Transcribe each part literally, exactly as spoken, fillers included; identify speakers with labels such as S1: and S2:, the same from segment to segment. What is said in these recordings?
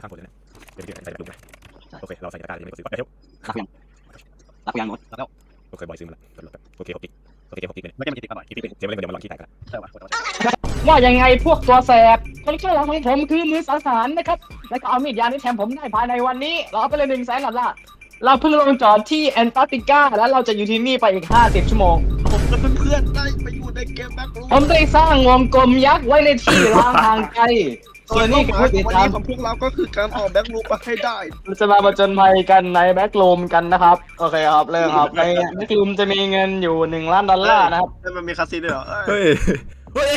S1: ข้างบนเลยนะเดี๋ยวใส่กระดูกนะโอเคเราใส่ตะกร้าเลยไม่กดซื้อไปเที่ยว
S2: รับยังรับยังหมดแล้ว
S1: โอเคบอยซื้อมาแล้วโอเคหกกิกโอเคหกกิกเลย
S3: ไม่ใช่มันจะติดกันหน่อย
S1: กิกเสียไม่เลยเดี๋ยวมาลองขี้แตกกัน
S3: ใช่ป่ะ
S4: ว่ายังไงพวกตัวแสบคนข้างหลังของผมคือมือสังหารนะครับแล้วก็เอามีดยานี้แทนผมได้ภายในวันนี้เราเอาไปเลยหนึ่งแสนดอลลาร์เราเพิ่งลงจอดที่แอนตาร์กติกาแล้วเราจะอยู่ที่นี่ไปอีกห้าสิบชั่วโมง
S3: ผมกับเพื่อนๆได้ไปอยู่ในเกมแบ็ครูม
S4: ผมได้สร้างวงกลมยักษ์ไว้ในที่ร้างห่างไกลส่วนนี้คือผู้ติด
S3: วัน
S4: ตาม
S3: นี้ของพวกเราก็คือการออกแบ็ครูมมาให้ได้
S4: เราจะมาประจนภัยกันในแบ็กรูมกันนะครับโอเคครับเริ่มครับในแบ็กรูมจะมีเงินอยู่หนึ่งล้านดอลลาร์นะครับ
S3: แล้วมันมีคาสิโนด้วยเหรอ
S1: เฮ้ยเฮ้ย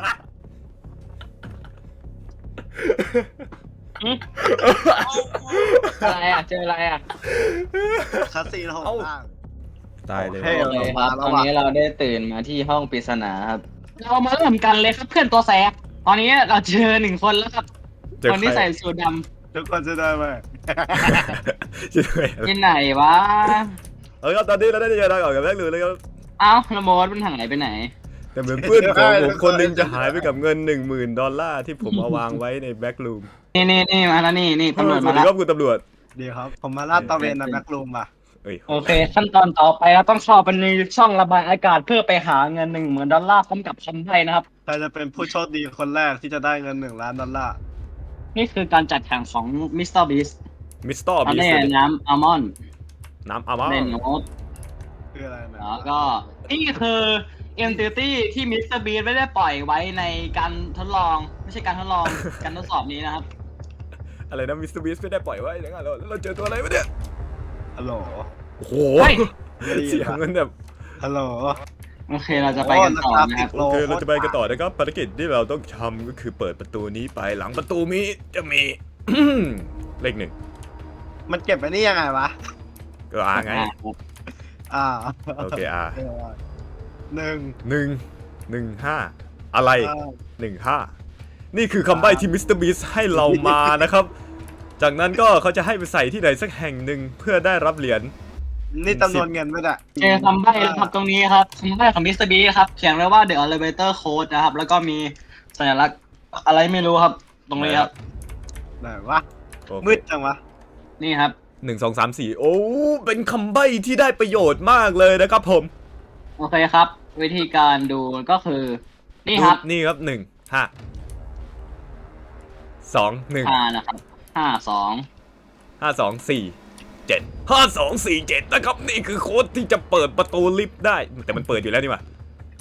S4: อะไรอ่ะเจออะไรอ่ะ
S3: คาสิโนของต่าง
S1: ตายเลย
S3: โอเค
S4: โอเคครับตอนนี้เราได้ตื่นมาที่ห้องปริศนาครับเรามาเริ่มกันเลยครับเพื่อนตัวแสบตอนนี้เราเจอหนึ่งคนแล้วครับคนที่ใส่สูทด
S3: ทุกคนจะได้ไหม
S1: ช่วย
S4: ำที่ไหนวะ
S1: เอาครับตอนนี้เราได้เจอทางออกกับแบ็คลูเลยครับ
S4: เอ้าละโมดมันหายไปไหน
S1: แต่เหมือนเพื่อนของผมคนนึงจะหายไปกับเงินหนึ่งหมื่นดอลลาร์ที่ผมเอาวางไว้ในแบ็คลูม
S4: นี่นี่นี่มาแล้วนี่นี่ตำรวจ
S1: ส
S4: มา
S1: วัสดี
S4: แล้ว
S1: ครับคุณตำรวจ
S3: ดีครับผมมาลาดตระเวนในแบ็ครูมอ่ะ
S1: เอ้ย
S4: โอเคขั้นตอนต่อไปเราต้องเข้าไปในช่องระบายอากาศเพื่อไปหาเงินหนึ่งหมื่นดอลลาร์พร้อมกับคำใบ้นะครับ
S3: ใครจะเป็นผู้โชคดีคนแรกที่จะได้เงินหนึ่งล้านดอลลาร์
S4: นี่คือการจัดแข่งของมิสเตอร์บีส
S1: มิสเตอร์
S4: อัน
S1: บี
S4: นี้
S1: ส
S4: น้ำอัลมอนด์
S1: น้ำอามา
S4: เล่นโน้ต
S3: คืออะไรนะ
S4: แล้วก็นี่คือเอ็นติตี้ที่มิสเตอร์บีไม่ได้ปล่อยไว้ในการทดลองไม่ใช่การทดลอง การทดสอบนี้นะครับ
S1: อะไรนะมิสเตอร์บีสไม่ได้ปล่อยไว้อย่างนั้นเราเราเจอตัวอะไรวะเนี่ย
S3: ฮัลโหล
S1: โอ้โห
S4: เฮ้ย
S1: เสียงมันแบบ
S3: ฮัลโหล
S4: โอเคเราจะไปกันต่อนะครับ
S1: โอเคเราจะไปกันต่อนะครับภารกิจที่เราต้องทำก็คือเปิดประตูนี้ไปหลังประตูนี้จะมี เลขหนึ่ง
S3: มันเก็บไว้นี่ยังไงวะ
S1: ก็อาไง
S3: อ่า
S1: โอเคอา
S3: หนึ่ง
S1: หนึ่งหนึ่งห้าอะไร
S3: อ่า
S1: หนึ่งห้านี่คือคำใบ้ที่มิสเตอร์บีสให้เรามานะครับ จากนั้นก็เขาจะให้ไปใส่ที่ไหนสักแห่งหนึ่งเพื่อได้รับเหรียญ
S3: นี่จำนวนเงินไม่ได้
S4: เจอคำใบ้แล้วครับตรงนี้ครับคำใบ้ของมิสเตอร์บีครับเขียนไว้ว่า The Elevator Code นะครับแล้วก็มีสัญลักษณ์อะไรไม่รู้ครับ ตรงนี้ครับ
S3: ไหนวะ
S1: โอเค
S3: มืดจังวะ
S4: นี่ครับ
S1: หนึ่งสองสามสี่โอ้เป็นคำใบ้ที่ได้ประโยชน์มากเลยนะครับผม
S4: โอเคครับ วิธีการดูก็คือ นี่ครับ
S1: นี่ครับหนึ่งห้าสองหนึ่ง
S4: ห้านะครับห้าสอง
S1: ห้าสองสี่เจ็ดห้าสองสี่เจ็ดนะครับนี่คือโค้ดที่จะเปิดประตูลิฟต์ได้ แต่มันเปิดอยู่แล้วนี่หว่า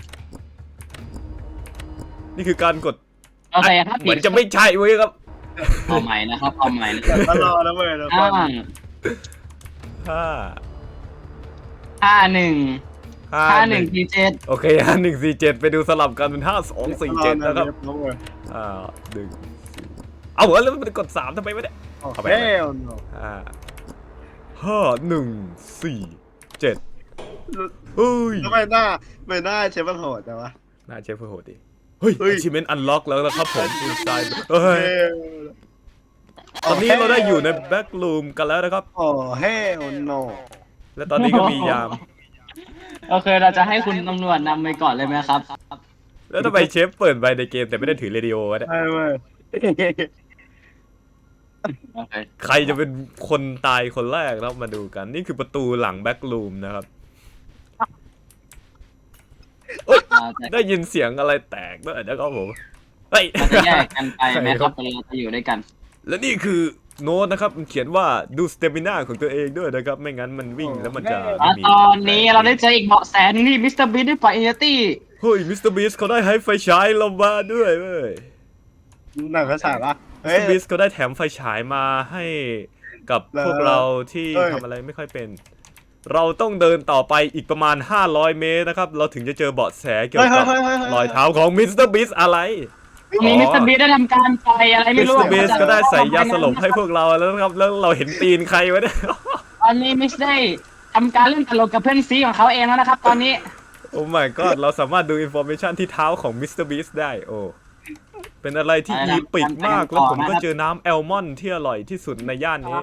S1: นี่คือการกด
S4: โอเคครับ
S1: เหมือนจะไม่ใช่เว้ยครับ
S4: เอาใหม่นะครับเอาใหม่นะครับ
S3: มารอแล้วเว้ยทุกค
S4: ห้าน
S1: ห้า
S4: ห้าหนึ่ง
S1: ห้า
S4: ห้าห
S1: ห
S4: นึ่
S1: นึ่
S4: ง
S1: ง
S4: สี่เจ็ด
S1: โอเคห้าหนึ่งสี่เจ็ดไปดูสลับกันเป็นห้าสองสี่เจ็ดนะครับ
S3: รอเว้ย
S1: อ่าหนึ่งเอาเหรอแล้วมันกดสามทำไมไม่ได้
S3: โอ้
S1: เข้าไป
S3: เฮ้ยโน
S1: ห้าห้าหนึ่งสี่เจ็ดเฮ้ย
S3: ทำไมหน้าไม่หน้าเชฟมันโหดจังวะ
S1: น่าเชฟเพื่อโหดดิเฮ้ย
S3: เฮ้ย
S1: achievement unlock แล้วนะครับผม inside เฮ้ย
S3: เฮ้ย
S1: ตอนนี้เราได้อยู่ใน back room กันแล้วนะครับ
S3: โอ้เฮ้ยโน
S1: และตอนนี้ก็มียาม
S4: โอเคเราจะให้คุณตำรวจนำไปก่อนเลยไหมครับ
S1: แล้วทำไมเชฟเปิดไปในเกมแต่ไม่ได้ถือเรดิโอวะเนี่ย
S3: ใช่เว้ย
S4: โอเค
S1: ใครจะเป็นคนตายคนแรกเรามาดูกัน นี่คือประตูหลัง back room นะครับ
S4: เราจะ
S1: ได้ยินเสียงอะไรแตกด้วยนะครับผมเฮ้ย
S4: เราจะแยกกันไปไหมครับเราจะอยู่ด้วยกัน
S1: และนี่คือโน้ตนะครับมันเขียนว่าดูสเตมิน่าของตัวเองด้วยนะครับ ไม่งั้นมันวิ่งแล้วมันจะ
S4: แล้วตอนนี้เราได้เจออีกเบาะแสหนึงที่มิสเตอร์บีได้ปล่อยเอเนตี้
S1: เฮ้ยมิสเตอร์บีสเขาได้ให้ไฟฉายเรามาด้วยเว้ย
S3: หนังกระฉายปะ
S1: มิ
S3: เฮ้
S1: ส
S3: ย
S1: เตอร์บีสเขาได้แถมไฟฉายมาให้กับพวกเราที่
S3: เอ้ย
S1: ทำอะไรไม่ค่อยเป็น เราต้องเดินต่อไปอีกประมาณห้าร้อยเมตรนะครับเราถึงจะเจอเบาะแสเกี่ยวกับรอยเท้าของมิสเตอร์บีสอะไร
S4: ตรงนี้มิสเตอร์บีได้ทำการปล่อยอะไร
S1: มิ
S4: ไม่
S1: ส
S4: รู้
S1: เตอร์บีสก็ได้ใส่ยาสลบให้พวกเราแล้วนะครับแล้วเราเห็นตีนใครวะเนี่ย
S4: ตอนนี้มิสได้ทำการเล่นตลกกับเพื่อนซีของเขาเองแล้วนะครับ ตอนนี้
S1: โอ้ my god เราสามารถดูอินโฟเมชันที่เท้าของมิสเตอร์บีสได้โอ้เป็นอะไรที่อีปิกมากแล้วผมก็เจอน้ำแอลมอนด์ที่อร่อยที่สุดในย่านนี้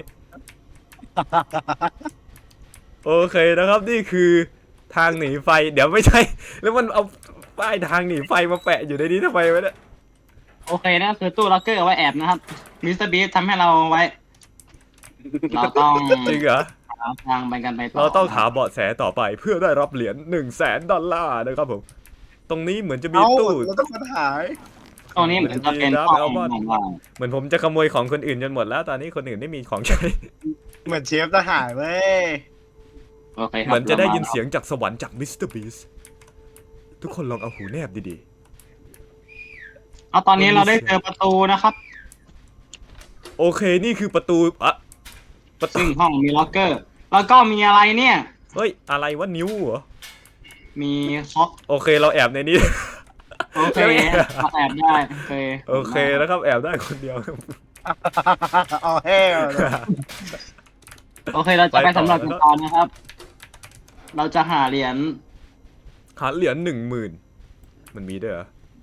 S1: โอเคนะครับนี่คือทางหนีไฟเดี๋ยวไม่ใช่ แล้วมันเอาป้ายทางหนีไฟมาแปะอยู่ในนี้ทำไมวะเนี่ย
S4: โอเคนั่นคือตู้ล็อกเกอร์เอาไว้แอบนะครับมิสเตอร์บีททำให้เราไว้ เราต้อง
S1: จริงเหรอ
S4: หาทางไปกันไปต่อ
S1: เราต้องหาเบาะแสต่อไปเพื่อได้รับเหรียญหนึ่งแสนดอลลาร์นะครับผมตรงนี้เหมือนจะมี
S3: เอ้า
S1: ตู้
S3: เราต้องค้นหา
S4: ตรงนี้เหมือนจะเป็น
S1: น้ำ
S4: ห้
S1: แอล
S4: อง
S1: มอน
S4: ของเรา
S1: เหมือนผมจะขโมยของคนอื่นจนหมดแล้วตอนนี้คนอื่นไม่มีของใช้
S3: เหมือนเชฟจะหายเว้ย
S4: โอเคครับ
S1: เหมือนจะได้ยินเสียงจากสวรรค์จากมิสเตอร์บีสทุกคนลองเอาหูแนบดี
S4: เอาตอนนี้เราได้เจอประตูนะครับ
S1: ๆโอเคนี่คือประตูอะประตู
S4: ซึ่งห้องมีล็อกเกอร์ แล้วก็มีอะไรเนี่ย
S1: เฮ้ยอะไรวะนิ้วเหรอ
S4: มีค็อก
S1: โอเคเราแอบในนี้
S4: โอเคเราแอบได้โอเค
S1: โอเคนะครับแอบได้คนเดียว
S3: เอาแห้วเลย
S4: โอเคเราจะไปสำรวจกันต่อนะครับ เราจะหาเหรียญ
S1: หาเหรียญหนึ่งหมื่นมันมีด้วยเหรอ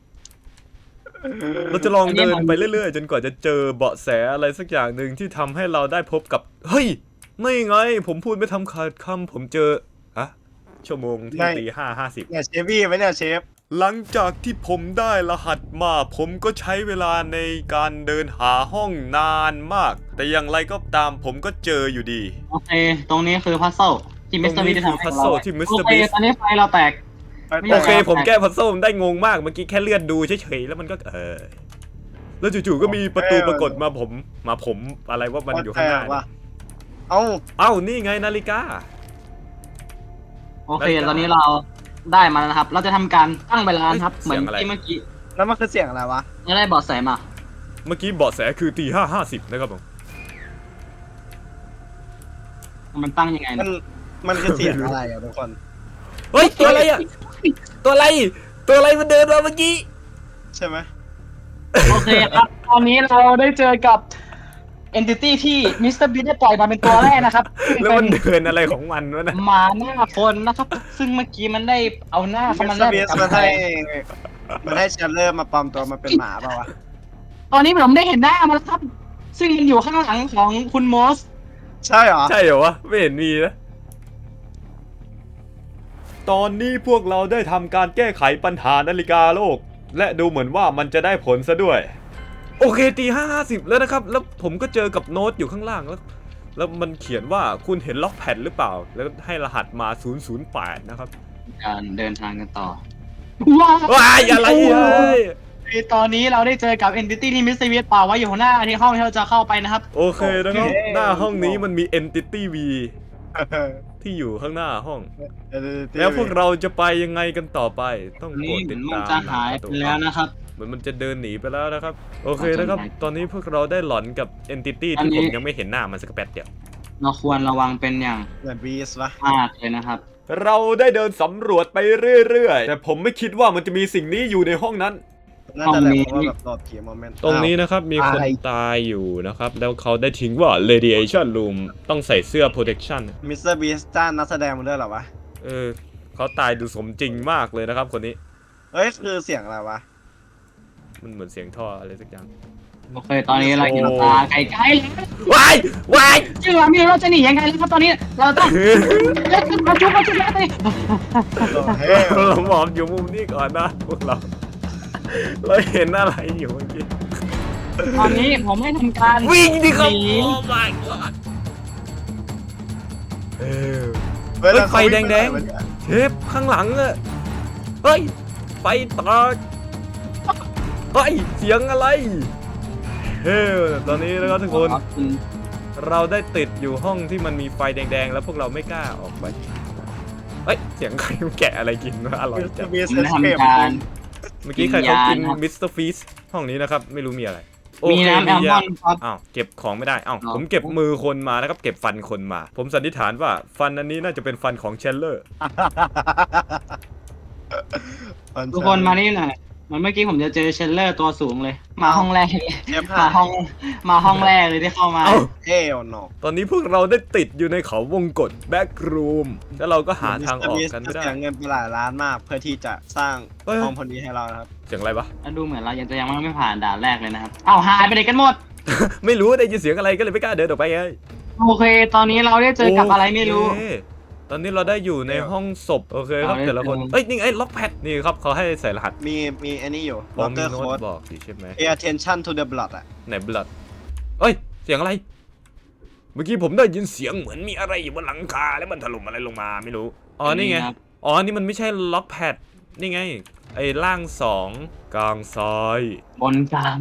S1: เราจะลองเดินไปเรื่อยๆ จนกว่าจะเจอเบาะแสอะไรสักอย่างหนึ่งที่ทำให้เราได้พบกับ เฮ้ย ไม่ไง ผมพูดไม่ทำขาดคำผมเจออะชั่วโมงที่ตีห้าห้าสิบ
S3: เนี่ยเชฟวี่ไหมเนี่ยเชฟ
S1: หลังจากที่ผมได้รหัสมาผมก็ใช้เวลาในการเดินหาห้องนานมาก แต่อย่างไรก็ตามผมก็เจออยู่ดี
S4: โอเค ตรงนี้คือพัซเซิลที่มิสเตอร์บีได้ทำให้
S1: พัซ
S4: เรา
S1: เซิลที่มิสเตอร์
S4: โอเค
S1: บี
S4: ตอนนี้ไฟเราแตก ไม่
S1: โอ
S4: อยาก
S1: เค ผมแก้พัซเซิลได้งงมากเมื่อกี้แค่เลื่อนดูเฉยๆแล้วมันก็เออแล้วจู่ๆก็มีประตูปรากฏมาผมมาผมอะไรว่ามันอยู่ข้างหน้า
S3: ว่ะเอ้า
S1: เอ้านี่ไงนาฬิกา
S4: โอเคตอนนี้เราได้มาแล้วนะครับ เราจะทำการตั้งเวลานะครับ
S1: เสี
S4: เหมือย น
S1: งอะไร
S4: ที่เมื่อกี้
S3: แล้วมันคือเสียงอะไรวะ
S4: เราได้เบาะแสมา
S1: เมื่อกี้เบาะแสคือตีห้าห้าสิบนะครับผม
S4: มันตั้งยังไง
S3: มัน
S4: นะ
S3: มันคือเสียงอะไรอ่ะทุกคน
S1: เฮ้ยตัวอะไรอ่ะตัวอะไรตัวอะไรมันเดินมาเมื่อกี้
S3: ใช่ไหม
S4: โอเคครับตอนนี้เราได้เจอกับ entity ที่มิสเตอร์บีได้ปล่อยมาเป็นตัวแรกนะครับซึ่ง
S1: แล้ว
S4: เป็
S1: มัน นเดินอะไรของมันวะนะ
S4: หมาหน้าคนนะครับ ซึ่งเมื่อกี้มันได้เอาหน้าเข้า
S3: มิ
S4: มา
S3: ส
S4: แล
S3: เตอร์
S4: ก
S3: บี
S4: กับ
S3: มันให้มันให้เชลเลอร์มาปลอมตัวมาเป็นหมาเปล่าวะ
S4: ตอนนี้ผมได้เห็นหน้ามันแล้วครับ ซึ่งมันอยู่ข้างหลังของคุณมอส
S3: ใช่เหรอ
S1: ใช่เหรอวะไม่เห็นมีนะตอนนี้พวกเราได้ทำการแก้ไขปัญหานาฬิกาโลก และดูเหมือนว่ามันจะได้ผลซะด้วย โอเคตีห้าห้าสิบแล้วนะครับ แล้วผมก็เจอกับโน้ตอยู่ข้างล่างแล้ว แล้วมันเขียนว่าคุณเห็นล็อกแพดหรือเปล่า แล้วให้รหัสมาศูนย์ ศูนย์ แปดนะครับ
S4: การเดินทางกันต่อ
S1: ว้ายอะไรเอ้ย
S4: ตอนนี้เราได้เจอกับ entity ที่มิสเตอร์บีป่าไว้อยู่ข้างหน้าที่ห้องที่เราจะเข้าไปนะครับ
S1: โอเคนะครับหน้าห้องนี้มันมี Entity V ที่อยู่ข้างหน้าห้อง แล้วพวกเราจะไปยังไงกันต่อไป ต้องโปร
S4: นี่
S1: ด
S4: เหมื
S1: ติ
S4: อ
S1: ด
S4: นมัน
S1: ตาม
S4: จะหายไปแล้วนะครับ
S1: เหมือนมันจะเดินหนีไปแล้วนะครับ โอเคนะครับ ตอนนี้พวกเราได้หลอนกับ Entity ที่ผมยังไม่เห็นหน้ามันสักแป๊บเดียว
S4: เราควรระวังเป็นอย่าง
S3: เหมือนบีสวะ
S4: มากเลยนะครับ
S1: เราได้เดินสำรวจไปเรื่อยๆ แต่ผมไม่คิดว่ามันจะมีสิ่งนี้อยู่ในห้องนั้น
S3: น่าจะแหละเพราะว่าแบบหลอดผีโมเมนต์
S1: ตรงนี้นะครับมีคนตายอยู่นะครับ แล้วเขาได้ทิ้งว่า radiation room ต้องใส่เสื้อ protection
S3: มิสเตอร์บีสจ้างนักแสดงมาด้วยเหรอวะ
S1: เออเขาตายดูสมจริงมากเลยนะครับคนนี้
S3: เฮ้ยคือเสียงอะไรวะ
S1: มันเหมือนเสียงท่ออะไรสักอย่าง
S4: โอเค ตอนนี้เราเห็นตาไกลๆแล้ว
S1: วายวาย
S4: จึงเราไม่รู้เราจะหนียังไงแล้วครับตอนนี้ เราต้องเล่นมาชุบมาชุบแล้วตอนนี้
S3: เฮ้ย
S1: เราหมอบอยู่มุมนี้ก่อนนะพวกเรา เราเห็นอะไรอยู่เมื่อกี้
S4: ตอนนี้ผมให้ทำการ
S1: วิ่งดิครับ
S4: หนี
S1: โอ้ my god เออ
S3: เฮ้ยแล้ว
S1: ไฟแดงๆ
S3: เขาวิ่ไปไหนวะเนี่ย
S1: เทปข้างหลังอะเฮ้ยไฟตาเฮ้ยเสียงอะไรเฮ้ยตอนนี้นะครับทุกคน เราได้ติดอยู่ห้องที่มันมีไฟแดงๆ แล้วพวกเราไม่กล้าออกไปเฮ้ยเสียงใครมันแกะอะไรกินวะอร่อย
S3: มิสเต
S1: จั
S3: อง ร์บีส
S4: ผม
S3: เอ
S4: ได้
S3: สเคป
S4: ทำการ
S1: เมื่อกี้ใครเขากิน
S4: วิญญาณครับ
S1: มิสเตอร์ฟีสห้องนี้นะครับไม่รู้มีอะไรโอ
S4: มี
S1: เค
S4: น้ำแอลมอนด์ครับ
S1: อ้าวเก็บของไม่ได้อ้าว
S4: อ๋อ
S1: ผมเก็บมือคนมานะครับเก็บฟันคนมา ผมสันนิษฐานว่าฟันอันนี้น่าจะเป็นฟันของเชลเลอร์
S4: ทุกคนมานี่หน่อยเหมันเมื่อกี้ผมจะเจอเชลเลอร์ตัวสูงเลย มาห้องแรก
S3: เชฟ
S4: มา
S3: หา
S4: ห้องมาห้องแรกเลยที่เข้ามา
S1: เอ้า
S3: เอ้ยโน
S1: ตอนนี้พวกเราได้ติดอยู่ในเขาวงกฏแบ็กรูมแล้วเราก็หาทางออกกันไม่ได้
S3: เสียเงินไปหลายล้านมากเพื่อที่จะสร้าง
S1: เฮ้ย
S3: ห้องพอดีให้เรานะครับ
S1: เสียงอะไรปะ
S4: แล้วดูเหมือนเรายังจะยังไม่ผ่านด่านแรกเลยนะครับอ้าวหายไปไหนกันหมด
S1: ไม่รู้ได้ยินเสียงอะไรก็เลยไม่กล้าเดินออกไปไง
S4: โอเค ตอนนี้เราได้เจอกับอะไรไม่รู้
S1: โอเคตอนนี้เราได้อยู่ในห้องศพโอเคครับแต่ละคนเอ้ยนี่ไงล็อกแพดนี่ครับเขาให้ใส่รหัส
S3: มีมีอันนี้อยู่
S1: ผมมี
S3: locker
S1: โน้ต
S3: code
S1: บอกสิใช่ไหม
S3: pay attention to the blood อ่ะ
S1: ไหนบลัดเอ้ยเสียงอะไร เมื่อกี้ผมได้ยินเสียงเหมือนมีอะไรอยู่บนหลังคาแล้วมันถล่มอะไรลงมาไม่รู้อ๋อนี่ไงอ๋อนี่มันไม่ใช่ล็อกแพดนี่ไงไอ้ล่างสองกลางซ้าย
S4: บนกลาง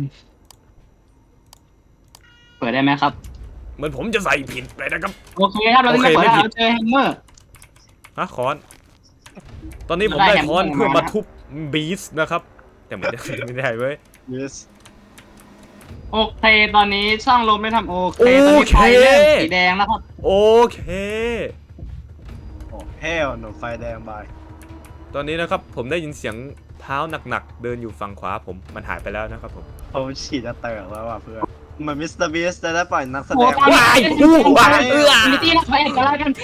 S4: เปิดได้ไหมครับ
S1: เหมือนผมจะใส่ผิดไปนะครับ
S4: โอเคครับเราจะ
S1: โอเค
S4: เปิด
S1: ไม่
S4: แล้ว
S1: ผิด
S4: เราเจอแฮมเมอร์
S1: ฮะค้อน ตอนนี้ผม
S4: ได้
S1: ได้
S4: แฮมเมอร์
S1: ค้อนเพื่อ
S4: มา
S1: มาทุบบีสนะครับ แต่ไม่ได้ ไม่ได้เว้ย
S3: yes
S4: โอเคตอนนี้ช่องลมไม่ทำโอเคตอนนี้ไฟเริ่มสีแดงแล้วครับ
S1: โอเค
S3: โอ้ hell no ไฟแดงบาย
S1: ตอนนี้นะครับผมได้ยินเสียงเท้าหนักๆเดินอยู่ฝั่งขวาผมมันหายไปแล้วนะครับผม
S3: ผมฉีดจะเติร์แล้วว่ะเพื่อนเหมือนมิสเตอร์บีสจะได้ปล่อยนักแสด
S4: โอ้
S3: ง
S4: ตอนนี้
S1: ว้ายอู้ว้ายเอื้อ
S4: มิตี้นะไฟเอ็ดกันแล้วกัน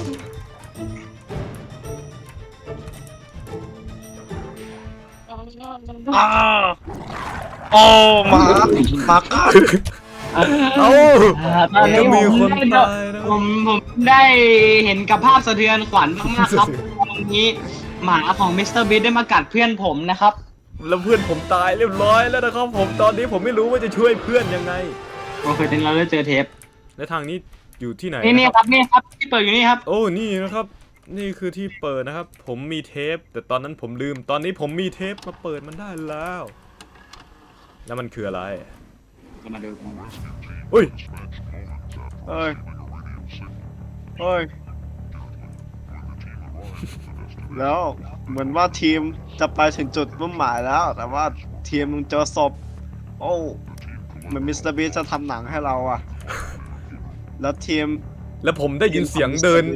S3: อ้าวโอ้หมาหมากัด
S1: เอ้า
S4: อ่าตอนนี้
S1: จะมี
S4: ผม
S1: คน
S4: ได้
S1: ตายนะ
S4: ผมผมได้เห็นกับภาพสะเทือนขวัญมากๆครับวันนี้หมาของมิสเตอร์บีได้มากัดเพื่อนผมนะครับ
S1: แล้วเพื่อนผมตายเรียบร้อยแล้วนะครับผมตอนนี้ผมไม่รู้ว่าจะช่วยเพื่อนยังไง
S4: โอเคตอนนี้เราได้เจอเทป
S1: และทางนี้อยู่ที่ไหน
S4: นี่นี่
S1: นะ
S4: ค
S1: ครับ
S4: รับนี่ครับที่เปิดอยู่นี่ครับ
S1: โอ้นี่นะครับ นี่คือที่เปิดนะครับ ผมมีเทป แต่ตอนนั้นผมลืม ตอนนี้ผมมีเทปมาเปิดมันได้แล้ว แล้วมันคืออะไร
S4: ก็มาดูกัน
S1: อุ้ย
S3: เอ้ยเอ้ยแล้วเหมือนว่าทีมจะไปถึงจุดมุ่งหมายแล้ว แต่ว่าทีมมึงเจอศพโอ้เหมือนมิสเตอร์บีจะทำหนังให้เราอะแล้วทีม
S1: แล้วผมได้ยินเสียงเดิน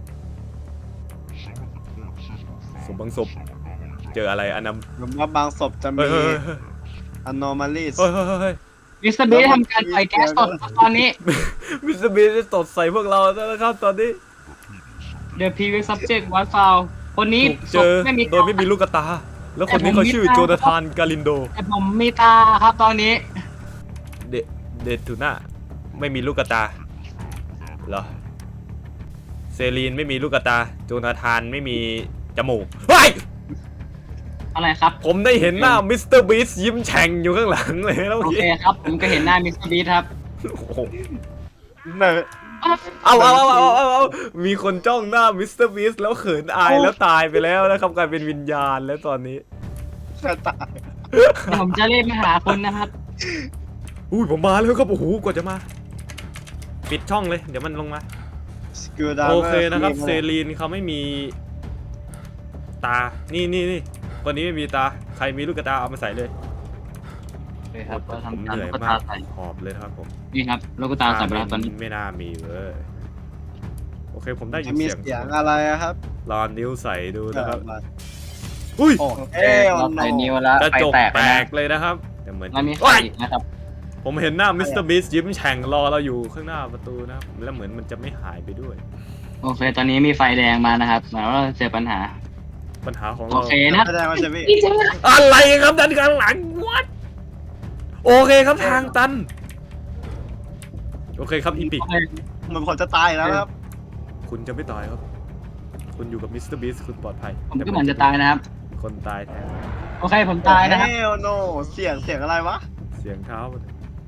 S1: ศพบางศพเจออะไรอันนั้น
S3: เหมือนว่าบางศพจะ
S1: เฮ้
S3: มี
S1: ยเฮ้ยเฮ้ย
S3: anomalies
S1: เฮ้ยเฮ้ยเฮ้ย
S4: มิสเตอร์บีทำการปล่อยแก๊สสดครับตอนนี้
S1: มิสเตอร์บีได้ตดใส่พวกเราแล้วนะครับตอนนี้
S4: The previous subject was found คนนี้
S1: ถูกเจอ
S4: ไม่มี
S1: โดยไม่มีลูกตา แล้วคนนี้เขาชื่อโจนาธานกาลินโด
S4: แต่ผมมีตาครับตอนนี้
S1: เดเดทูน่าไม่มีลูกตาเหรอเซรีนไม่มีลูกตา โจนาธานไม่มีจมูกเฮ้ย
S4: อะไรครับ
S1: ผมได้เห็นหน้ามิสเตอร์บีสยิ้มแฉ่งอยู่ข้างหลังเลยแล้ว
S4: โอ
S1: เมื่อ
S4: เค
S1: กี้
S4: ครับ ผมก็เห็นหน้ามิสเตอร์บีทครับ
S1: โอ้โห
S3: เนอะ
S1: เอาเอาเอาเอาเอาเอามีคนจ้องหน้ามิสเตอร์บีสแล้วเขินอายแล้วตายไปแล้วนะครับกลายเป็นวิญญาณแล้วตอนนี้
S3: แค่ตาย
S4: เดี๋ยวผมจะเรียกมาหาคุณนะครับ
S1: อุ้ยผมมาแล้วครับโอ้โหกว่าจะมา ปิดช่องเลย เดี๋ยวมันลงมา
S3: สกิลดาว
S1: โอเคนะครับเซรีนเขาไม่มีตา นี่นี่นี่คนนี้ไม่มีตา ใครมีลูกตาเอามาใส่เลย
S4: เลยครับเรา
S1: ผม
S4: ทำ
S1: เห
S4: ตาม
S1: นื่อย
S4: ลูก
S1: มา
S4: ตาก ใส่
S1: หอบเลยนะครับผม
S4: นี่ครับลูกตาใส่ไปแล้วตอนนี้
S1: ไม่น่ามีเว้ยโอเคผมได้ยิ
S3: จะ
S1: น
S3: มี
S1: เสียง
S3: เสียงอะไรอะครับ
S1: ลองนิ้วใส่ดูนะครับ
S3: เออ
S1: อุ้ย
S3: โอ้เอ้ย
S4: เราใส่นิ้วแล้ว
S1: กระ
S4: ไฟ
S1: จก
S4: แตก
S1: แต
S4: ไป
S1: กเลยนะครับแต่เหมือน
S4: แล้วมีไฟ
S1: โอ๊ย
S4: อีกนะครับ
S1: ผมเห็นหน้ามิสเตอร์บีสยิ้มแฉ่งรอเราอยู่ข้างหน้าประตูนะครับแล้วเหมือนมันจะไม่หายไปด้วย
S4: โอเค ตอนนี้มีไฟแดงมานะครับหมายว่าเราเจอปัญหา
S1: ปัญหาของ
S4: โอ
S1: เรา
S4: เคนะครับ
S3: แสดงว่าจะมี
S1: อะไรครับด้านข้างหลังวัดโอเคครับทางตันโอเคครับอีปิก
S4: โอเค
S3: เหมือนผมจะตายแล้วนะครับ
S1: คุณจะไม่ตายครับ คุณอยู่กับมิสเตอร์บีสคุณปลอดภัย
S4: ผมก็เหมือนจะตายนะครับ
S1: คนตายแทน
S4: โอเคผมตายนะครับ
S3: เฮลโนเสียงเสียงอะไรวะ
S1: เสียงเท้ามัน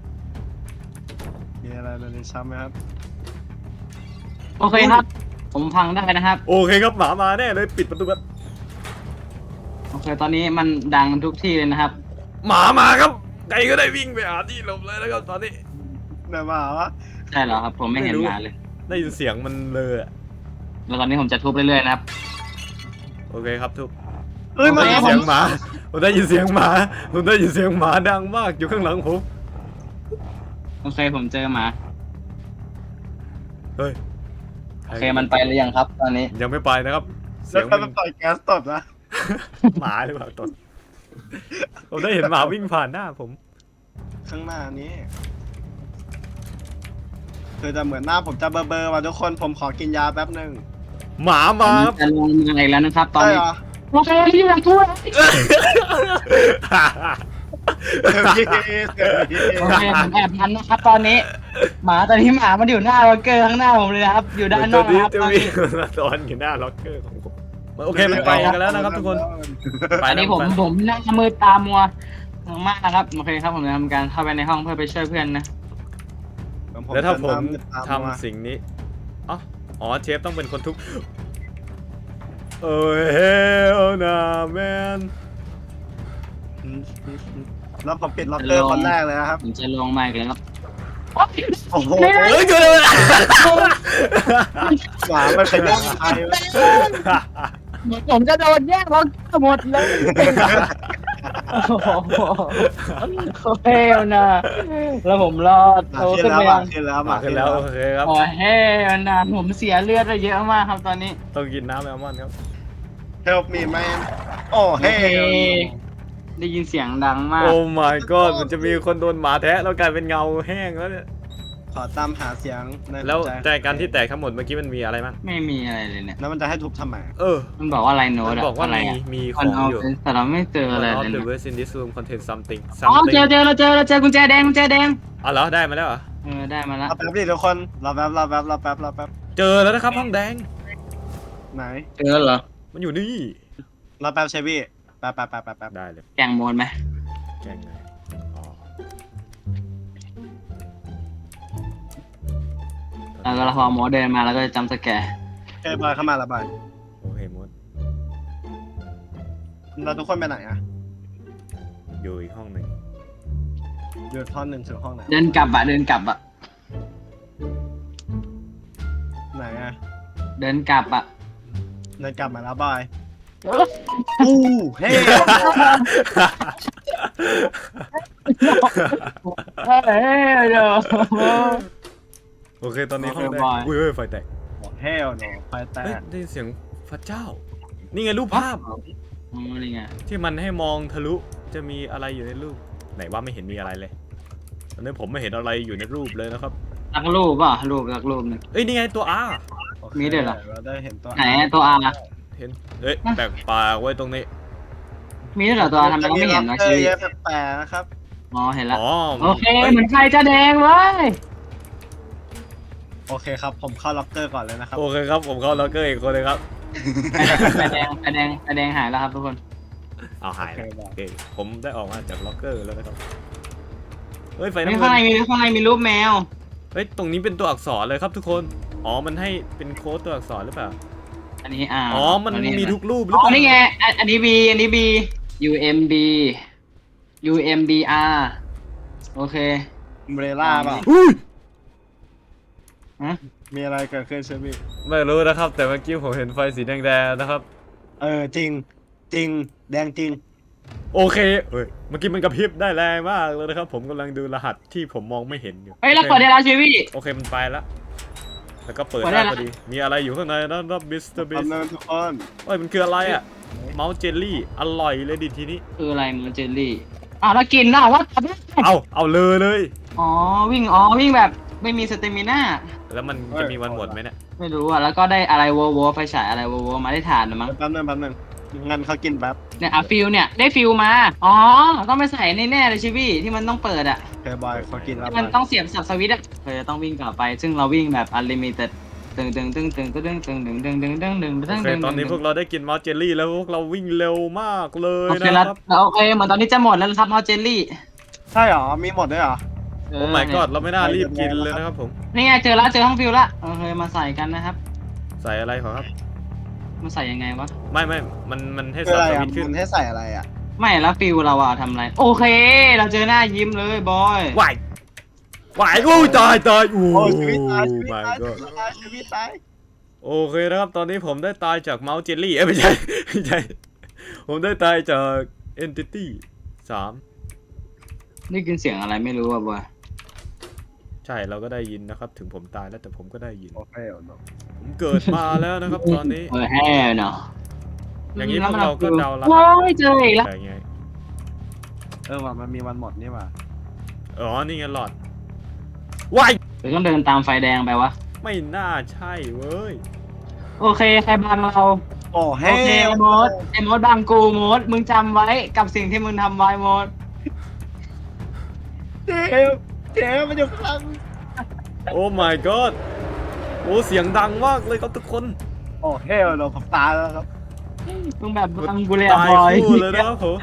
S3: มีอะไรในนี้ช้ำไหมครับ
S4: โอเคครับ ผมพังได้นะครับ
S1: โอเคครับหมามาแน่เลยปิดประตูแบบ
S4: โอเค ตอนนี้มันดังทุกที่เลยนะครับ
S1: หมามาครับใครก็ได้วิ่งไปหาที่หลบเลยนะครับตอนนี้
S3: ไหนมาวะ
S4: ใช่เหรอครับ ผมไม่เห็นมาเลย
S1: ได้ยินเสียงมันเลยอะ
S4: แล้วตอนนี้ผมจะทุบเรื่อยๆนะครับ
S1: โอเคครับทุก
S3: เอ้ย
S1: ผม
S3: มา
S1: ได้ยินเสียงหมาผมได้ยินเสียงหมาผมได้ยินเสียงหมาดังมากอยู่ข้างหลังผม
S4: โอเคผมเจอหมา
S1: เฮ้ย
S4: โอเคมันไปหรือยังครับ ตอนนี้
S1: ยังไม่ไปนะครับเสี
S3: แล้
S1: ยว ง
S3: ก็
S1: มัน
S3: ปล่อยแก๊สตดนะ
S1: หมาหรือเปล่าตดผมได้เห็นหมาวิ่งผ่านหน้าผม
S3: ข้างหน้านี้คือจะเหมือนหน้าผมจะเบลอๆว่ะทุกคนผมขอกินยาแป๊บหนึ่ง
S1: หมามาครับ
S4: จะลงมาอีกแล้วนะครับ ตอน
S3: ใช่
S4: นี้
S3: เหรอ
S4: โอเคที่ยังทั่ว
S3: เสียงดีเสียงดี
S4: โอเคผมแอบทันนะครับ ตอนนี้หมาตอนนี้หมามันอยู่หน้าล็อกเกอร์ข้างหน้าผมเลยนะครับ อยู่ด้านน
S1: ตั
S4: อ
S1: ว
S4: ก
S1: นี้
S4: นะครับ
S1: จะมีมาตอนอยู่หน้าล็อกเกอร์ของผมโอเคมันไปกันแล้วนะครับทุกคนไป
S4: อัน
S1: แล้ว
S4: นี้ผม
S1: ไป
S4: ผมหน้ามืดตามัวมากนะครับโอเคครับผมจะทำการเข้าไปในห้องเพื่อไปช่วยเพื่อนนะ
S1: แล้วถ้าผม
S3: จะตา
S1: ทำ
S3: มา
S1: สิ่งนี้อ๋ออ๋อเชฟต้องเป็นคนทุบโอ้ยเฮลนาแมน
S3: แล้วผมปิดล็อกเกอร์คนแรกเลยนะครับ
S4: ผมจะลงมาอีกแล้ว
S3: โอ้โห
S1: เฮ้ยช่วยด้วย
S3: หมามันขยันใครวะ
S4: ผมจะโดนแย่งล็อกเกอร์หมดเลยโอ้โหโอเคนะแล้วผมรอด
S3: หมา
S4: โอ้
S3: ขึ้น
S4: ขึ้น
S3: แล้ว
S4: ไป
S3: หมา
S4: ยัง
S3: ขึ้นแล้วห
S1: มา
S3: มา
S1: ขึ้
S3: ขึ้
S1: น
S3: น
S1: แล้
S3: แล้ว ว
S1: โอเคครับ
S4: โอ้เฮ้นะผมเสียเลือดไปเยอะมากครับตอนนี้
S1: ต้องกินน้ำแอลมอนด์ครับ
S3: Help me man โอ้เฮ้
S4: ได้ยินเสียงดังมาก
S1: โอ้ my god มันจะมีคนโดนหมาแทะแล้วกลายเป็นเงาแห้งแล้วเนี่ย
S3: ขอตามหาเสียงใน
S1: แล้ว
S3: หัใจ
S1: แต่การที่แตกทั้งหมดเมื่อกี้มันมีอะไรบ้าง
S4: ไม่มีอะไรเลยเนี่ย
S3: แล้วมันจะให้ทุบทำไม
S1: เออ
S4: มันบอกว่าอะไรโน้
S1: มั
S4: ต
S1: นบอกว่า
S4: อะไร
S1: มี
S4: อะ
S1: มีข
S4: มั
S1: อน ง
S4: เอา
S1: อยู่
S4: แต่เราไม่เจออะไร
S1: One
S4: เล
S1: of
S4: ย
S1: the
S4: นะ
S1: words in this room contain something
S4: อ๋อ
S1: something
S4: เจอเจอเราเจอเราเจอกุญแจแดงกุญแจแดง
S1: อ๋อเหรอได้มาแล้วเหรอ
S4: เออได้มาละ
S3: รอแป๊บดิทุกคนรอแป๊บรอแป๊บรอแป๊บรอแป๊บ
S1: เจอแล้วนะครับห้องแดง
S3: ไหน
S4: เจอเหรอ
S1: มันอยู่นี่
S3: รอแป๊บเชฟี่แป๊บแป๊บแป๊บแป๊บแป๊บ
S1: ได้เลย
S4: แกงโมนไหม
S1: แกล้งเลยอ๋อ
S4: แล้วก็พอหมอเดินมาแล้วก็จำสแกร์
S3: เฮ้ยบอยเข้ามาละบอย
S1: โอเคมด
S3: เราทุกคนไปไหนอะ
S1: อยู่อีกห้องหนึ่ง
S3: อยู่ท่อนหนึ่งถึงห้องไหน
S4: เดินกลับอะเดินกลับอะ
S3: ไหนอะ
S4: เดินกลับอะ
S3: เดินกลับมาแล้วบอยอู้เฮ้
S4: เฮ้ยเดี๋ยว
S1: โอเคตอนนี้ห้องแดง
S4: โอเคบาย
S1: อุ้ยเฮ้ยไฟแตก
S3: เฮลโนไฟแต
S1: เฮ้ย
S3: ก
S1: ได้ยินเสียงพระเจ้า นี่ไงรูปภาพ
S4: อ๋อนี่ไง
S1: ที่มันให้มองทะลุจะมีอะไรอยู่ในรูป ไหนว่าไม่เห็นมีอะไรเลยตอนนี้ผมไม่เห็นอะไรอยู่ในรูปเลยนะครับ
S4: รักรูปป่ะรูปรักรูปหนึง
S1: เอ้ยนี่ไงตัว R
S3: โอเค
S4: มีด้วยเหรอ
S3: เราได้เห็นตัว
S4: ไหนตัวอา
S1: เห็นเอ้ยแปลกปลากไว้ตรงนี้
S4: มีด้วยเหรอตัวอาทำไมเราไม่เห็นวะ
S3: เจ
S4: ชี
S3: อเยอะแปลกๆนะครับ
S4: อ๋อเห็นแล้ว
S1: อ๋อ
S4: โอเคเหมือนไฟจะแดงเว้ย
S3: โอเคครับผมเข้าล็อกเกอร์ก่อนเลยนะครับ
S1: โอเคครับผมเข้าล็อกเกอร์อีกคนเลยครับ
S4: ไฟแดงไฟแดงไฟแดงหายแล้วครับทุกคน
S1: เอาหายแล้ว
S3: โอเค
S1: โอเคผมได้ออกมาจากล็อกเกอร์แล้วนะครับเฮ้ยไฟ
S4: มี
S1: น้ำ
S4: ข้าง
S1: เงิ
S4: ใน
S1: น
S4: มีข้างในมีรูปแมว
S1: เฮ้ยตรงนี้เป็นตัวอักษรเลยครับทุกคน อ๋อมันให้เป็นโค้ดตัวอักษรหรือเปล่า
S4: อันนี้อ่า
S1: อ๋อมันมีทุกรูปหรือ
S4: อ๋
S1: เป
S4: อ
S1: ล่า
S4: นี่ไงอันอันนี้ B อันนี้ B U M B U M B R โอเค
S3: เบรล่าเปล่า
S1: อุ้ย
S4: ฮะ
S3: มีอะไรเกิดขึ้นเชฟี่
S1: ไม่รู้นะครับ แต่เมื่อกี้ผมเห็นไฟสีแดงๆนะครับ
S3: เออจริง จริง แดงจริง
S1: โอเคเฮ้ยเมื่อกี้มันกระพริบได้แรงมากเลยนะครับ ผมกำลังดูรหัสที่ผมมองไม่เห็นอยู่
S4: เฮ้ยเราเปิดได้แล้วชีวิต
S1: โอเคมันไปแล้วแล้วก็เปิด
S4: เปิดได้
S1: ได้
S4: แล้ว
S1: พอดี มีอะไรอยู่ข้างในนะครับมิสเตอร์บิ
S3: ตอน
S1: ส
S3: นั้นทุกคน
S1: เอ้ยมันคืออะไรอ่ะเมาส์เจลลี่อร่อยเลยดิทีนี้
S4: คืออะไรมันเจลลี่อ่ะแล้วกินน่ะว่า
S1: เอาเอาเลยเลย
S4: อ๋อวิ่งอ๋อวิ่งแบบไม่มีสเตมิน่า
S1: แล้วมันจะมีวันหมดไหมเนี่ย
S4: ไม่รู้อ่ะแล้วก็ได้อะไรวัววัวไฟฉายอะไรวัววัวมาได้ฐานนะมั้ง
S3: แป๊บนึงแป๊บนึงงั้นเขากินแป๊บ
S4: เนี่ยอ่ะฟิลเนี่ยได้ฟิลมาอ๋อต้องไปใส่แน่ๆเลยชีวิตที่มันต้องเปิดอ่ะ
S3: เคบอยเขากินแล้ว
S4: ที่มันต้องเสียบสับสวิตช์อ่ะเธอจะต้องวิ่งกลับไป ซึ่งเราวิ่งแบบอันลิมิเต็ดตึงตึงตึงตึงตึงตึงตึงตึงตึงตึงตึงตึง
S1: โอ
S4: ตึง
S1: เค
S4: ตึง
S1: ตอนนี้พวกเราได้กินเมาส์เจลลี่แล้วพวกเราวิ่งเร็วมากเลย
S4: โอเค
S1: นะ
S4: แล้ว
S1: ครับ
S4: โอเคเหมือนตอนนี้จะหมดแล้วนะครับมอเจลลี่
S3: ใช่เหรอ มีหมดด้วยเหรอ
S4: เอ
S1: โอ้
S4: อ
S1: my
S4: เนี่ย
S1: god เราไม่น่ารีบกินเลยนะครับผม
S4: นี่ไงเจอแล้วเจอห้องฟิลละโอเคมาใส่กันนะครับ
S1: ใส่อะไรขอครับ
S4: มาใส่ยังไงวะ
S1: ไม่ไม่มันมันให้
S3: คือ
S1: สับ
S3: อะไร
S1: ส
S3: อ่ะ
S1: วิตช์ขึ้น
S3: มันให้ใส่อะไรอ่ะ
S4: ไม่แล้วฟิลเราอะทำอะไรโอเค เราเจอหน้ายิ้มเลยบอย
S1: วายวายกูตายตายอู้
S3: โอ้ชีวิตตายชีวิต
S1: my
S3: ตาย
S1: god
S3: ตายชีวิตตาย
S1: โอเคนะครับ ตอนนี้ผมได้ตายจากเมาส์เจลลี่เอ้ยไม่ใช่ไม่ใช่ ผมได้ตายจาก entity สาม
S4: ได้ยินเสียงอะไรไม่รู้อ่ะบอย
S1: ใช่เราก็ได้ยินนะครับ ถึงผมตายแล้วแต่ผมก็ได้ยิน
S3: โอเคเนาะ
S1: ผมเกิดมาแล้วนะครับ ตอนนี้
S4: เออแฮ่เนาะ
S1: อย่างนี้พวกเราก็เดาแล้ว
S4: โอ้ยเจออีกแล้ว
S1: แต่ไง
S3: เออว่ะมันมีวันหมดนี่ว่ะ
S1: อ๋อนี่ไงหลอดวาย
S4: หรือต้องเดินตามไฟแดงไปวะ
S1: ไม่น่าใช่เว้ย
S4: โอเคใครบังเรา
S3: โอ้
S4: โอ
S3: เฮ้
S4: เคโมดไอ้โมดบังกูโมดมึงจำไว้กับสิ่งที่มึงทำไว้โมด
S3: เจ๊เจ๊มันอยู่ข้างหลัง
S1: โอ้ my god โอ้เสียงดังมากเลยครับทุกคน
S3: โอ้เฮลโนผมตายแล้วครับ
S4: มึงแบบบังกูเลยอะ
S1: ตาย
S4: บอย
S1: คู่เลยนะครับผม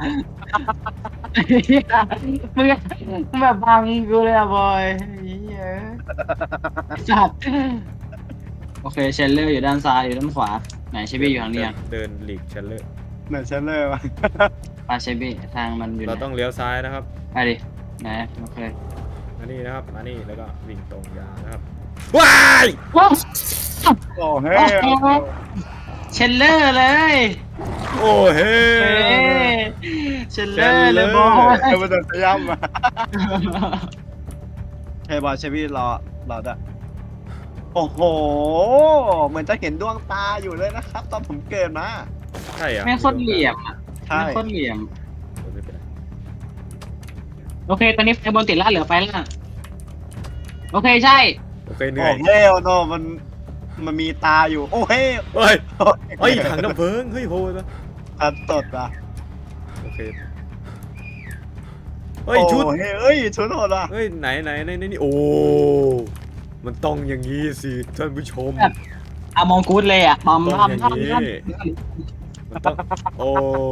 S4: มึงมึงแบบบังกูเลยอะบอยเหี้ยสัตว์โอเคเชลเลอร์อยู่ด้านซ้ายอยู่ด้านขวาไหนเชบี้อยู่ทางนี้อะ
S1: เดินหลีกชันเลย
S3: เหมือนเชนเลอร์วะ
S4: ปาเชบี้ทางมันอยู่ไห
S1: เรา
S4: น
S1: ต้องเลี้ยวซ้ายนะครับ
S4: ไปดิไหนโอเค
S1: มานี่นะครับมานี่แล้วก็วิ่งตรงยาวนะครับว้าย
S4: ว้าว
S3: โอ้เฮล
S4: เชลเลอร์เลย
S1: โอ้เฮ้
S4: เฮ้เชลเลอร์เลยบอย
S3: เอเวอร์ตันสยามมาเฮ้ยบอยเชฟวี่รอรอได้โอ้โหเหมือนจะเห็นดวงตาอยู่เลยนะครับ ตอนผมเกิดมา
S1: ใช่เหรอ่ะ
S4: ไม่โคตรเหลี่ยมอะ
S3: ใช่
S4: ไม่โคตรเหลี่ยม
S1: ไม่เป็นไร
S4: โอเค ตอนนี้ไฟบนติดแล้วเหลือไฟล่างโอเคใช่
S1: โอเคเหนื่
S3: โอ้
S1: อย
S3: เฮลโนมันมันมีตาอยู่ โอ้เฮล
S1: เฮ้ยเฮ้ยถังน้ำเพลิงเฮ้ยโหดนะ
S3: ทันตดอ่ะ
S1: โอเคเฮ้ยชุด
S3: โอ้เฮ้ยเอ้ยชุดโหดอ่ะ
S1: เฮ้ยไหนไหนไหนไหนนี่โอ้มันต้องอย่างนี้สิท่านผู้ชม
S4: อะมองกูดเลยอ่ะทำ
S1: ต้อง
S4: ทำ
S1: อย่าง
S4: ทำ
S1: นี้
S4: ทำ
S1: มันต้องโอ้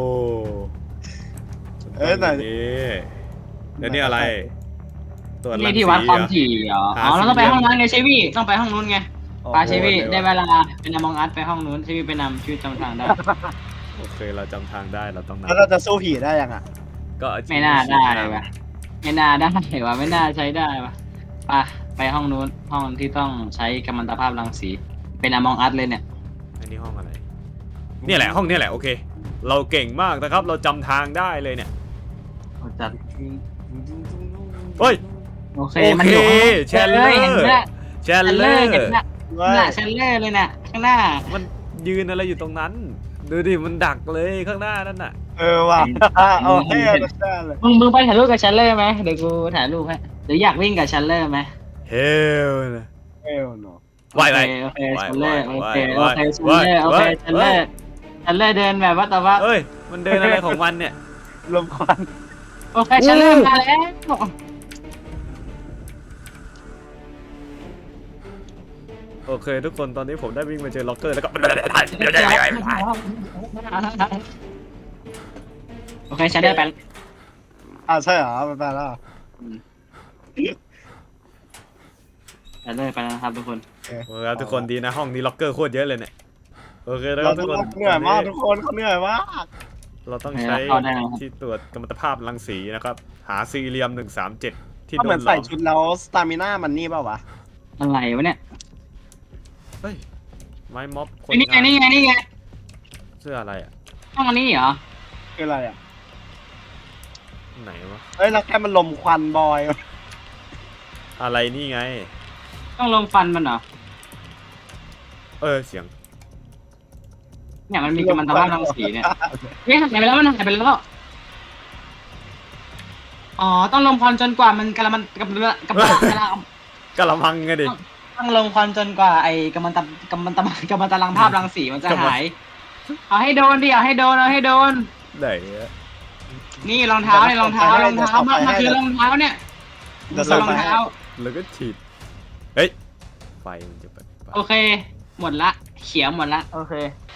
S3: เอ้ยไหน
S1: มันต้องอย่างนี้แล้วนี่อะไรตัวจรั
S4: นี่
S1: ง
S4: ที่
S1: สี
S4: วัดความ
S1: เหรอ
S4: ถี่เหรอ
S1: หา
S4: อ๋อเราต้องไป
S1: สี่เหลี่ยม
S4: ห้องนั้นไงเชวี่ต้องไปห้องนู้นไง
S3: โอ้
S4: ปาเชวี่
S1: โห
S4: ได้เวลาเป็นอมองอัดไปห้องนู้นเชวี่ไปนำชีวิตจำทางได้
S1: โอเคเราจำทางได้เราต้อง
S3: แล้วเราจะสู้ผีได้ยังอ่ะ
S1: ก็เอ
S4: ไม่น่าได้ว่ะไม่น่าได้ว่ะไม่น่าใช้ได้ว่ะไปไปห้องนู้นห้องที่ต้องใช้กัมมันตภาพรังสีเป็นอมองอัดเลยเนี่ย
S1: อันนี้ห้องอะไรเนี่ยแหละห้องเนี่ยแหละโอเค เราเก่งมากนะครับ เราจำทางได้เลยเนี่ย
S4: เอาจัด
S1: เฮ้ย
S4: โอเค
S1: โอ
S4: มัน
S1: เค
S4: อยู่ข้าง
S1: แชนเลอ
S4: เห็น
S1: ร์
S4: ไหม
S1: แช
S4: แช
S1: น
S4: น
S1: เล
S4: เล
S1: อ
S4: อ
S1: ร์
S4: ร์เห็นไหมน่ะแชนเลอร์เลยน่ะข้างหน้า
S1: มันยืนอะไรอยู่ตรงนั้น ดูดิมันดักเลยข้างหน้านั่นน่ะ
S3: เออว่ะโอ้เฮลใช่เลย
S4: มึงมึงไปถ่ายรูปกับแชนเลอร์ไหมเดี๋ยวกูถ่ายรูปให้หรืออยากวิ่งกับแชนเลอร์ไหม
S1: เฮลนะ
S3: เฮลโน
S1: ไหวไหว
S4: โอเค
S1: ไหว
S4: แชนเลอร์
S1: ไหว
S4: โอเค
S1: ไหว
S4: โอเคแชน
S1: ไหว
S4: เลอร์โอเค
S1: ไหว
S4: แชนเลอร์แชนเลอร์เดินแบบว่าแต่ว่า
S1: เอ้ยมันเดินอะไรของมันเนี่ย
S3: ลมควัน
S4: โอเคแชนเลอร์มาแล้ว
S1: โอเค ทุกคนตอนนี้ผมได้วิ่งมาเจอล็อกเกอร์แล้วก็
S4: โอเคแชนเลอร์ไป
S3: อ่าใช่เหรอไปไปแล้ว
S4: แชนเลอร์ไปแล้วนะครับทุกคน
S1: โอเคครับทุกคนดีนะห้องนี้ล็อกเกอร์โคตรเยอะเลยเนี่ยโอเคแล้วค
S3: เรา
S1: รับทุ
S3: ทุ
S1: ก
S3: ก
S1: คน
S3: คนเหนื่อยมากทุกคนเขาเหนื่อยมาก
S1: เราต้องใช้ที่ตรวจกัมมันตภาพรังสีนะครับหาซีเรียมหนึ่งสามเจ็ดที่
S3: ก็
S1: โด
S3: เหมือน
S1: นหล
S3: ใส่
S1: อม
S3: ชุดแล้วสตามิน่ามันนี่เปล่าวะ
S4: อะไรวะเนี่ย
S1: เฮ้ยไม้ม็อบคน
S4: นี่ไง
S1: งาน
S4: นี่ไงนี่ไง
S1: เสื้ออะไรอ่ะ
S4: ห้องอันนี้เหรอ
S3: คืออะไรอ่ะ
S1: ไหนวะ
S3: เอ้ยแล้วแค่มันลมควันบอย
S1: อะไรนี่ไง
S4: ต้องลงฟันมันเหรอ
S1: เออเสียง
S4: เนี่ยมันมีกัมมันตภาพรังสีเนี่ยเฮ้ยหายไปแล้วมันหายไปแล้วอ๋อต้องลงควันจนกว่ามันกระมันกระมันกระมันกระ
S1: กะละมังไงดิ
S4: ต้องลงควันจนกว่าไอ้กัมมันตกัมมันตกัมมันตรังภาพรังสีมันจะหาย เอาให้โดนดิเอาให้โดนเอาให้โดน
S1: ไหนอะ
S4: นี่รองเท้าเนี่ยรองเท้ารองเท้ามันมันคือรองเท้าเนี่ย
S3: เดี๋ยว
S4: คือ
S3: ส่ง
S4: รอง
S3: ไปให้
S4: เท้า
S1: แล้วก็ฉีดเฮ้ยไฟมันจะเปิดไฟ
S4: โอเค หมดละเขียวหมดละโอเค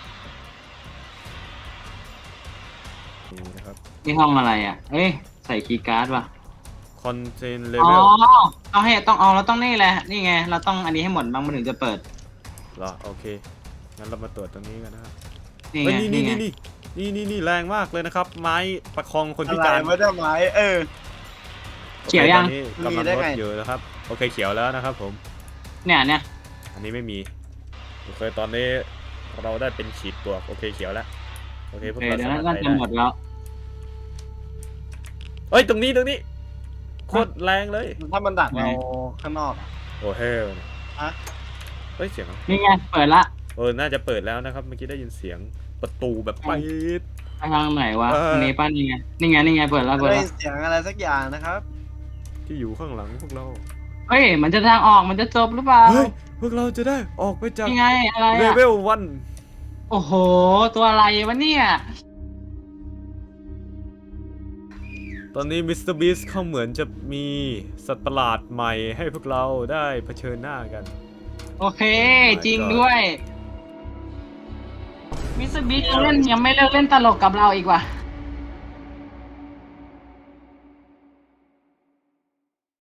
S1: นี่นะครับ
S4: นี่ห้องอะไรอ่ะเอ้ยใส่คีย์การ์ดว่ะ
S1: คอนเทนเล
S4: อ๋
S1: เว
S4: อ
S1: ล
S4: เอาให้ต้องเอาเราต้องนี่แหละนี่ไงเราต้องอันนี้ให้หมดบ้างมันถึงจะเปิด
S1: เหรอโอเคงั้นเรามาตรวจตรงนี้กันนะครับ
S4: นี่
S1: เฮ้ย
S4: ไง
S1: นี่
S4: นี่
S1: นี่
S4: ไง
S1: นี่นี่นี่นี่แรงมากเลยนะครับ ไม้ประคองคนพิ
S3: อะไร
S1: การ
S3: ไม่ได้ไหมเออ
S4: เขียวยัง
S1: โอคตอนนี้กำลัง
S3: มีได้
S1: ลด
S3: ไง
S1: อยู่นะครับโอเคเขียวแล้วนะครับผม
S4: เนี่ยเนี่ย
S1: อันนี้ไม่มีโอเคตอนนี้เราได้เป็นขีดบวกโอเคเขียวแล้วโอเคพ
S4: โอ
S1: วก
S4: เค
S1: เรา
S4: เดี๋ยว
S1: สามารถ
S4: น่า
S1: ไป
S4: จะ
S1: ได้
S4: หมดแล้ว
S1: เฮ้ยตรงนี้ตรงนี้โคตรแรงเลย
S3: ถ้ามันดักเราข้างนอกอะ
S1: โอ้เฮล
S3: อะ
S1: เฮ้ยเสียงอะไร
S4: นี่ไงเปิดละ
S1: เออน่าจะเปิดแล้วนะครับเมื่อกี้ได้ยินเสียงประตูแบบไปด
S4: ไปทางไหนวะ
S1: เออ
S4: อันนี้ป้านี่ไงนี่ไงนี่ไงเปิดแล้วเปิด
S3: ได้
S4: แล้ว
S3: ยินเสียงอะไรสักอย่างนะครับ
S1: ที่อยู่ข้างหลังพวกเรา
S4: เฮ้ยมันจะทางออกมันจะจบหรือเปล่า
S1: เฮ้ยพวกเราจะได้ออกไปจาก
S4: นี่ไงอะไร
S1: เล
S4: อะ
S1: เวลวัน
S4: โอ้โห ตัวอะไรวะเนี่ย
S1: ตอนนี้มิสเตอร์บีสเขาเหมือนจะมีสัตว์ประหลาดใหม่ให้พวกเราได้เผชิญหน้ากัน
S4: โอเค จริงด้วยมิสเตอร์บีเล่นยังไม่เลิกเล่นตลกกับเราอีกว่ะ